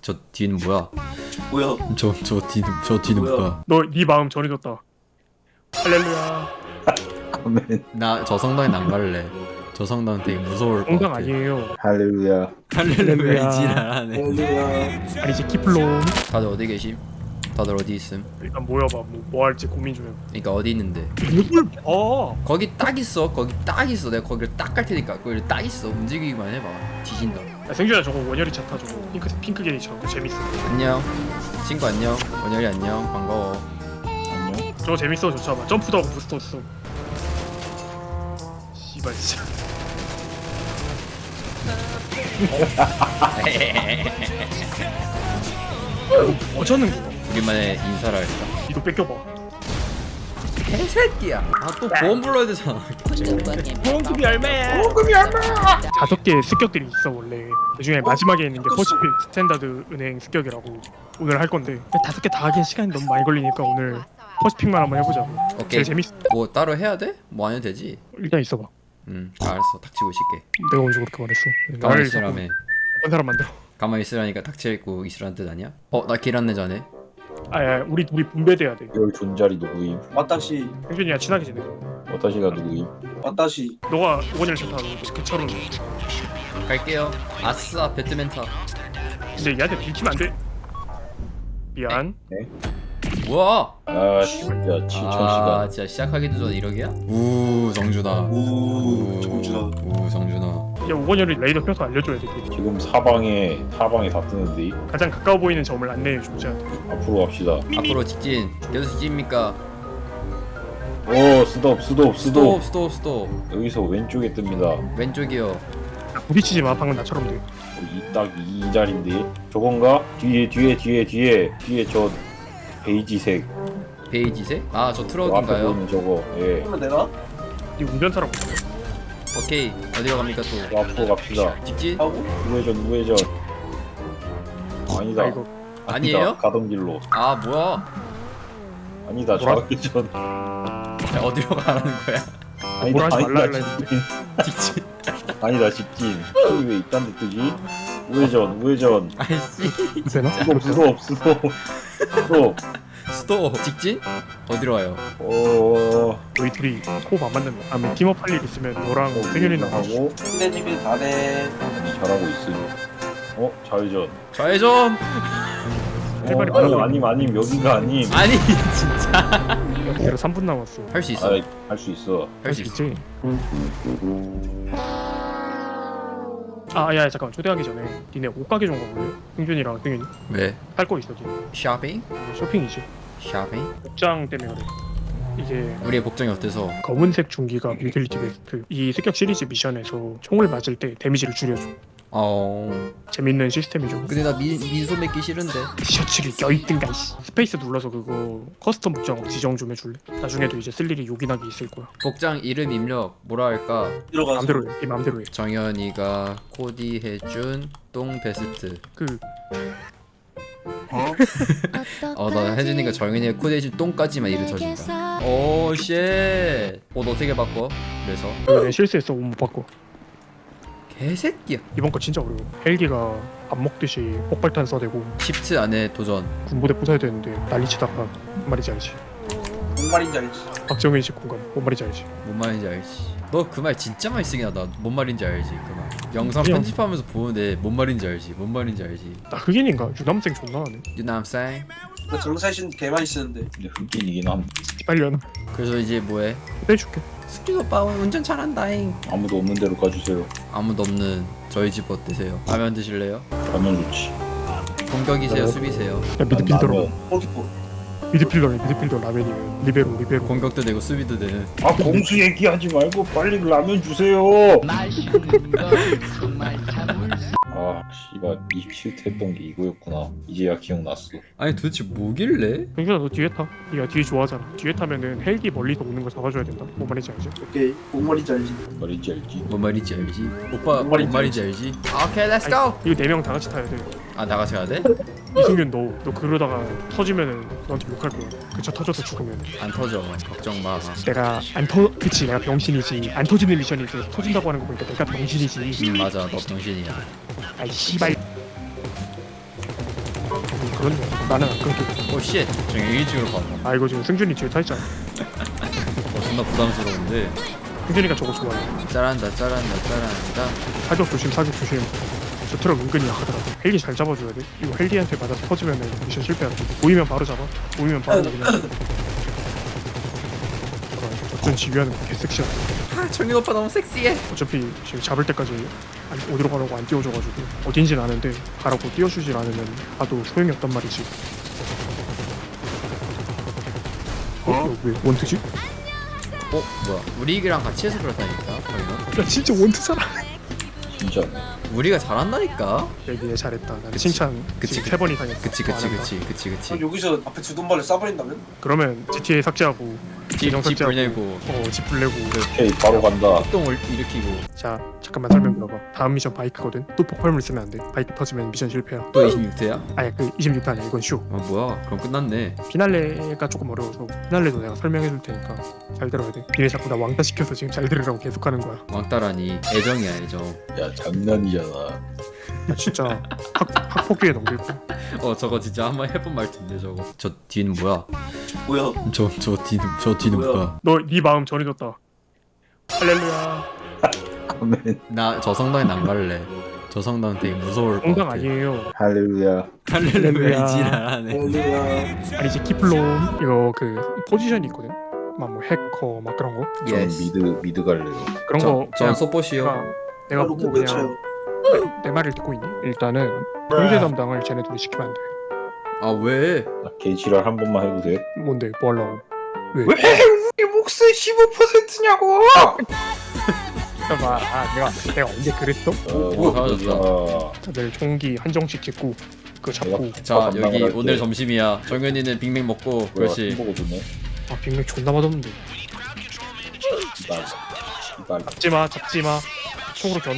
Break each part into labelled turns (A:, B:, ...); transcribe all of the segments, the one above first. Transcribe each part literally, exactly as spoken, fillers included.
A: 저 뒤는 뭐야?
B: 뭐야?
A: 저 저 뒤는 저 뒤는
B: 뭐야?
A: 뭐야?
C: 너 네 마음 전해줬다. 할렐루야.
D: 아멘.
A: 나 저 성당에 안 갈래. 저 성당 되게 무서울 것
C: 건강
A: 같아.
C: 아니에요.
D: 할렐루야.
A: 할렐루야 이지랄하네.
B: 할렐루야.
C: 아니지 키플론.
A: 다들 어디 계심? 다들 어디 있음?
C: 일단 모여봐. 뭐, 뭐 할지 고민 좀 해봐.
A: 그러니까 어디 있는데?
C: 누굴 봐.
A: 거기 딱 있어. 거기 딱 있어. 내가 거기를 딱 갈 테니까 거기 딱 있어. 움직이기만 해봐. 뒤진다.
C: 야, 생준아 저거 원열이 차 타 저거. 핑크 핑크 게이처럼 그거 재밌어.
A: 안녕. 친구 안녕. 원열이 안녕. 반가워.
D: 안녕.
C: 저거 재밌어 저 차봐. 점프도 하고 부스터 써. 씨발 진짜. 어쩌는 거야?
A: 우리만의 인사를 할까?
C: 이거 뺏겨봐.
A: 개새끼야. 아 또 보험 불러야 되잖아.
C: 보험금이 얼마야? 보험금이 얼마야? 다섯 개의 습격들이 있어 원래. 그 중에 마지막에 있는 게 퍼시픽 스탠다드 은행 습격이라고 오늘 할 건데 다섯 개 다 하기엔 시간이 너무 많이 걸리니까 오늘 퍼시픽만 한번 해보자고.
A: 오케이.
C: 제일 재밌어.
A: 뭐 따로 해야 돼? 뭐 안 해도 되지.
C: 일단 있어봐.
A: 음 알았어. 닥치고 있을게.
C: 내가 언제 그렇게 말했어?
A: 가만히
C: 나를
A: 있으라며.
C: 자꾸 나쁜 사람 만들어.
A: 가만히 있으라니까 닥치고 있으라는 뜻 아니야? 어 나 길 안내 전에.
C: 아야 우리 우리 분배돼야 돼.
D: 열 존잘이 누구임?
B: 왔다시
C: 형준이야 친하게 지내.
D: 와타시가 누구임?
B: 왔다시.
C: 너가 오건이를 좋다. 그 차로.
A: 갈게요. 아싸 배트맨 타.
C: 근데 얘한테 들키면 안 돼. 미안.
A: 뭐야?
D: 아 진짜 칠천
A: 아
D: 시간.
A: 진짜 시작하기도 전에 이러기야? 우 정준아.
B: 우 정준아.
A: 우 정준아.
C: 야 오건이를 레이더 펴서 알려줘야 돼.
D: 지금 사방에 사방에 다 뜨는데
C: 가장 가까워 보이는 점을 안내해 주자.
D: 앞으로 갑시다.
A: 앞으로 직진. 계속 직진입니까?
D: 오 스톱 스톱
A: 스톱
D: 스톱.
A: 스톱 스톱.
D: 여기서 왼쪽에 뜹니다.
A: 왼쪽이요.
C: 부딪히지 마. 방금 나처럼 돼.
D: 딱 이 자리인데 저건가? 뒤에 뒤에 뒤에 뒤에 뒤에 저 베이지색
A: 베이지색? 아 저
D: 앞에
A: 트럭인가요?
D: 보이는 저거. 예.
B: 하면 되나?
C: 네 운전사라고.
A: 오케이. 어디로 갑니까 또?
D: 저 앞으로 갑시다.
A: 직진?
B: 하고
D: 우회전 우회전. 아니다.
C: 아 이거
A: 아니에요?
D: 아니다. 가던 길로.
A: 아 뭐야?
D: 아니다.
C: 뭐라?
D: 좌회전.
A: 야, 어디로 가라는 거야?
C: 뭘 하지 말라
D: 아니다.
C: 했는데.
A: 직진.
D: 아니다 직진. 저기 왜 이딴 데 뜨지? 우회전 우회전.
A: 아이씨.
C: 되나?
D: 스톱 스톱 스톱 스톱.
A: 스톱. 직진? 어디로 와요?
D: 어.
C: 너희 둘이 호흡 안 맞는다. 다음에 팀업 할 일 있으면 너랑 승현이랑 하고.
D: 하고
B: 선배님이 다네.
D: 잘하고 있음. 어 좌회전.
A: 좌회전.
C: 할 말이
D: 어,
C: 많아.
D: 아님 아님 아님 여기가 아님.
A: 아니 진짜.
C: 내가 삼 분 남았어.
A: 할 수 있어.
D: 할 수 있어.
A: 할 수 있어.
C: 있지? 아, 야, 잠깐만. 초대하기 전에 니네 옷가게 좀 가볼래? 승준이랑 승현이
A: 왜?
C: 할 거 있어 지금.
A: 쇼핑?
C: 쇼핑이지.
A: 쇼핑?
C: 복장 때문에 그래. 이게
A: 우리의 복장이 어때서?
C: 검은색 중기가 유틸리티 베스트. 이 습격 시리즈 미션에서 총을 맞을 때 데미지를 줄여줘.
A: 어.
C: 재밌는 시스템이죠.
A: 근데 나 민, 민소 맺기 싫은데.
C: 티셔츠를 껴있든가 이씨. 스페이스 눌러서 그거 커스텀 복장 지정 좀 해줄래? 나중에도 이제 쓸 일이 요긴하게 있을 거야.
A: 복장 이름 입력 뭐라 할까?
B: 들어가서.
C: 마음대로 해. 네 마음대로 해.
A: 정현이가 코디해준 똥 베스트.
C: 그
A: 어 나 혜진이가 정현이가 코디해준 똥까지만 이름 쳐준다. 오 쉣. 옷 어떻게 바꿔? 그래서
C: 내 실수했어. 옷 못 바꿔.
A: 개새끼야.
C: 이번 거 진짜 어려워. 헬기가 밥 먹듯이 폭발탄 써대고
A: 십트 안에 도전.
C: 군부대 부숴야 되는데 난리치다가 뭔 말인지 알지?
B: 뭔 말인지 알지?
C: 박정희 씨 공감 뭔 말인지 알지?
A: 뭔 말인지 알지? 너 그 말 진짜 많이 쓰긴 하다. 뭔 말인지 알지? 그 말. 영상
C: 그냥-
A: 편집하면서 보는데 뭔 말인지 알지? 뭔 말인지 알지?
C: 나 흑인인가? 유남생 존나 하네.
A: You know what I'm saying?
B: 나 정사신 개 많이 쓰는데.
D: 근데 흑인이긴 함.
C: 빨리 하나.
A: 그래서 이제 뭐해?
C: 해줄게.
A: 스킨 오빠 운전 잘한다잉.
D: 아무도 없는 데로 가주세요.
A: 아무도 없는 저희 집 어때세요? 라면 드실래요?
D: 가면 좋지.
A: 공격이세요?
C: 네.
A: 수비세요?
C: 야 미드필더로.
D: 라면.
B: 골키퍼.
C: 미드필더네. 미드필더 라면이면 리베로 리베로.
A: 공격도 되고 수비도 되는.
D: 아 공수 얘기하지 말고 빨리 라면 주세요. 아 씨발 이십칠 회 했던 게 이거였구나. 이제야 기억났어.
A: 아니 도대체 뭐길래?
C: 경준아 너 뒤에 타. 네가 뒤에 좋아하잖아. 뒤에 타면은 헬기 멀리서 오는 거 잡아줘야 된다. 뭔 말인지 알지?
B: 오케이. 뭔 말인지 알지?
D: 말인지 알지?
A: 뭔 말인지 알지? 오빠
B: 뭔
A: 뭔
B: 말인지
A: 말인지 알지? 오케이 렛츠 고!
C: 이거 네 명 다 같이 타야 돼.
A: 아 나가서 가야 돼?
C: 이승윤 너 너 그러다가 터지면은 너한테 욕할 거야. 그 차 터져서 죽으면.
A: 안 터져 걱정 마.
C: 내가 안 터, 그치 내가 병신이지. 안 터지는 미션이 이제 터진다고 하는 거 보니까 내가 병신이지.
A: 음 맞아 너 병신이야.
C: 아이 씨발. 그렇네. 나는 안 끊기고.
A: 오쉣 저기 일찍으로 가봐.
C: 아 이거 지금 승준이 뒤에 타 있잖아.
A: 어 존나 부담스러운데.
C: 승준이가 저거 좋아해.
A: 짜란다 짜란다 짜란다.
C: 사격 조심, 사격 조심. 저 트럭 은근히 약하더라. 헬기 잘 잡아줘야 돼. 이거 헬기한테 맞아서 터지면 미션 실패하는 거. 보이면 바로 잡아. 보이면 바로 그냥. 잠깐, 저전 지휘하는 거 개섹시하다.
A: 아 정윤 오빠 너무 섹시해.
C: 어차피 지금 잡을 때까지 안, 어디로 가라고 안 띄워줘가지고 어딘진 아는데 가라고 띄워주질 않으면 가도 소용이 없단 말이지. 어? 이거 왜 원투지?
A: 어 뭐야 우리랑 같이 해서 그렇다니까 정윤아.
C: 야 진짜 원투잖아.
D: 진짜.
A: 우리가 잘한다니까.
C: 얘기해 잘했다. 난
A: 그치.
C: 칭찬
A: 그치,
C: 지금 세 번이 당했어.
A: 그치
C: 안
A: 그치
C: 한다.
A: 그치 그치 그치.
B: 그럼 여기서 앞에 주돈발을 쏴버린다면?
C: 그러면 지티에이 삭제하고 계정
A: 집
C: 삭제하고
A: 불내고
C: 어집 불내고.
D: 오케이 바로 간다.
A: 폭동을 일으키고
C: 자 잠깐만 설명 들어봐. 다음 미션 바이크거든. 또 폭발물 쓰면 안 돼. 바이크 터지면 미션 실패야.
A: 또 이십육 회야?
C: 아니 그 이십육 타 아니야. 이건 쇼.
A: 아 뭐야 그럼 끝났네.
C: 피날레가 조금 어려워서 피날레도 내가 설명해 줄 테니까 잘 들어야 돼. 니네 자꾸 나 왕따 시켜서 지금 잘 들으라고 계속하는 거야.
A: 왕따라니 애정이야 애정.
D: 야 장난이잖아.
C: 나 진짜 학, 학폭위에 넘길 거야.
A: 어 저거 진짜 한번 해본 말투인데 저거. 저 뒤는 뭐야?
B: 뭐야?
A: 저 저 뒤는 저 뒤는
B: 뭐야?
A: 뭐야?
C: 너 네 마음 전해줬다. 할렐루야.
D: 아멘.
A: 나 저 성당에 안 갈래. 저 성당 되게 무서울 것
C: 공당
A: 같아.
C: 아니에요.
D: 할렐루야.
A: 할렐루야
C: 할렐루야.
A: 이지랄하네.
B: 할렐루야.
C: 아니지 키플롬 이거 그 포지션이 있거든. 막 뭐 해커 막 그런 거
D: 전
A: 예스.
D: 미드 미드 갈래요.
C: 그런 거
A: 전
C: 그냥
A: 소포시요.
C: 내가, 내가
B: 로켓
C: 보고
B: 외쳐요.
C: 그냥 내, 내 말을 듣고 있니? 일단은 경제 담당을 쟤네들이 시키면 안 돼.
A: 아 왜?
D: 개지랄 한 번만 해도 돼?
C: 뭔데? 뭐 하려고? 왜?
B: 우리 몫의 십오 퍼센트냐고!
C: 봐봐. 아 내가 내가 언제 그랬어?
D: 어,
A: 오, 사라졌다.
D: 아,
C: 다들 총기 한정씩 찍고 그거 잡고.
A: 자
D: 담당을
A: 여기
D: 할게.
A: 오늘 점심이야. 정현이는 빅맥 먹고.
D: 뭐야,
A: 그렇지.
D: 햄버거 주네.
C: 아 빅맥 존나 맛없는데.
D: 이발. 이발.
C: 잡지마 잡지마. 총으로 겨누.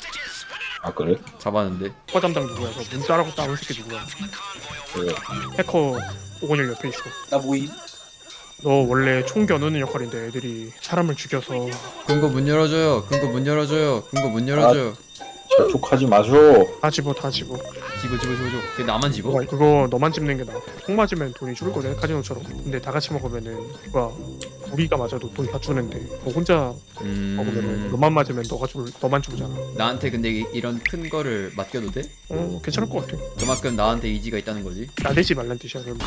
D: 아 그래?
A: 잡았는데.
C: 허 담당 누구야? 너 문 따라고 따온 새끼 누구야?
D: 그래.
C: 해커 오건일 옆에 있어.
B: 나 모임?
C: 너 원래 총 겨누는 역할인데 애들이 사람을 죽여서.
A: 금고 문 열어줘요. 금고 문 열어줘요. 금고 문 열어줘요.
D: 재촉하지 마쇼.
C: 다 집어 다 집어.
A: 집어 집어 집어 집어. 근데 나만 집어?
C: 그거, 그거 너만 집는 게 나아. 총 맞으면 돈이 줄을 거든 카지노처럼. 근데 다 같이 먹으면은 누가 우리가 맞아도 돈 다 주는데 너 혼자 먹으면은
A: 음.
C: 너만 맞으면 너가 줄 너만 주잖아.
A: 나한테 근데 이- 이런 큰 거를 맡겨도 돼?
C: 어 괜찮을 것 같아.
A: 그만큼 나한테 의지가 있다는 거지.
C: 나대지 말란 뜻이야 그럼.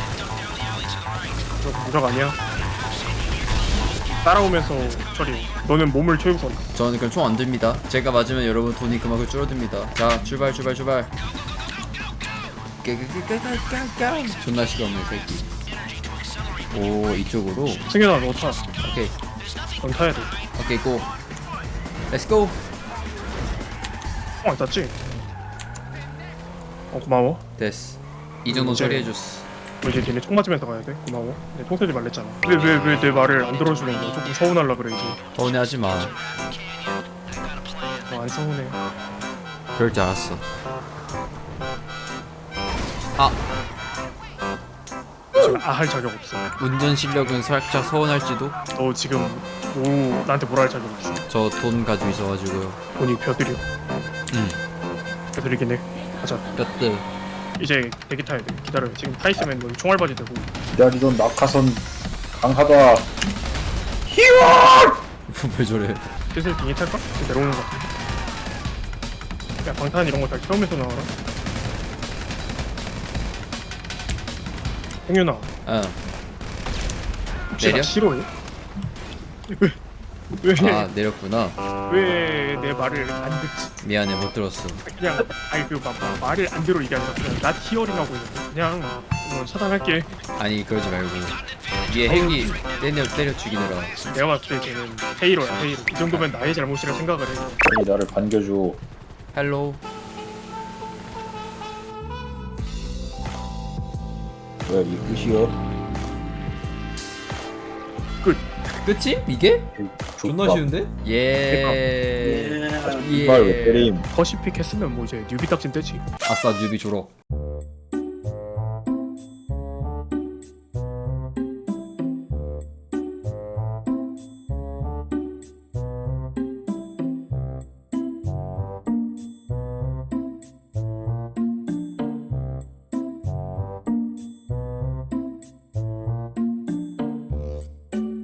C: 너 무적 아니야? 따라오면서 처리. 너는 몸을 채우선.
A: 저는 그럼 총 안 듭니다. 제가 맞으면 여러분 돈이 그만큼 줄어듭니다. 자 출발 출발 출발. 깨깨깨깨깨깨깨. 존나 시끄럽네 이 새끼. 오 이쪽으로.
C: 승현아 너 타.
A: 오케이
C: 넌 타야 돼.
A: 오케이 고. 렛츠 고.
C: 총안 쐈지? 어 고마워.
A: 됐어. 이 정도
C: 이제-
A: 처리해줬어.
C: 너 이제 니네 총 맞으면서 가야 돼. 고마워. 내 총 쏘지 말랬잖아. 왜 왜 왜 내 말을 안 들어주는 거야? 조금 서운하려 그래 이제.
A: 서운해하지 마.
C: 너안 서운해.
A: 그럴 줄 알았어. 아
C: 지금 아할 자격 없어.
A: 운전 실력은 살짝 서운할지도.
C: 너 지금 뭐 나한테 뭐라 할 자격 없어.
A: 저 돈 가지고 있어가지고요.
C: 돈이 벼들여.
A: 응.
C: 벼들이긴 해. 가자.
A: 뼈뜨.
C: 이제 대기 타야 돼. 기다려. 지금 타 있으면 너 총알바지 되고.
D: 기다리던 낙하선 강하다.
A: 왜 저래?
C: 슬슬 비행기 탈까? 지금 내려오는 거 같아. 야 방탄 이런 거 잘 태우면서 나와라. 홍윤아
A: 응.
C: 혹시
A: 내려?
C: 나 싫어해? 왜? 왜?
A: 아 내렸구나.
C: 왜 내 말을 안 듣지?
A: 미안해 못 들었어.
C: 그냥 아니 그 막, 막 말을 안 들어 이게 아니라 그냥 나 히어링 하고 있는데 그냥 어, 차단할게.
A: 아니 그러지 말고 얘 헬기 때려 때려 죽이느라.
C: 내가 봤을 때 쟤는 헤이로야 헤이로. 이 정도면 나의 잘못이라 생각을 해.
D: 빨리 나를 반겨줘.
A: 헬로.
D: 뭐야 이 끝이야?
C: 끝.
A: 끝이? 이게? 존나
D: 족밥.
A: 쉬운데? 예.
B: 예.
D: 이발 왜 때림?
C: 퍼시픽 했으면 뭐 이제 뉴비 딱진 떼지.
A: 아싸 뉴비 졸업.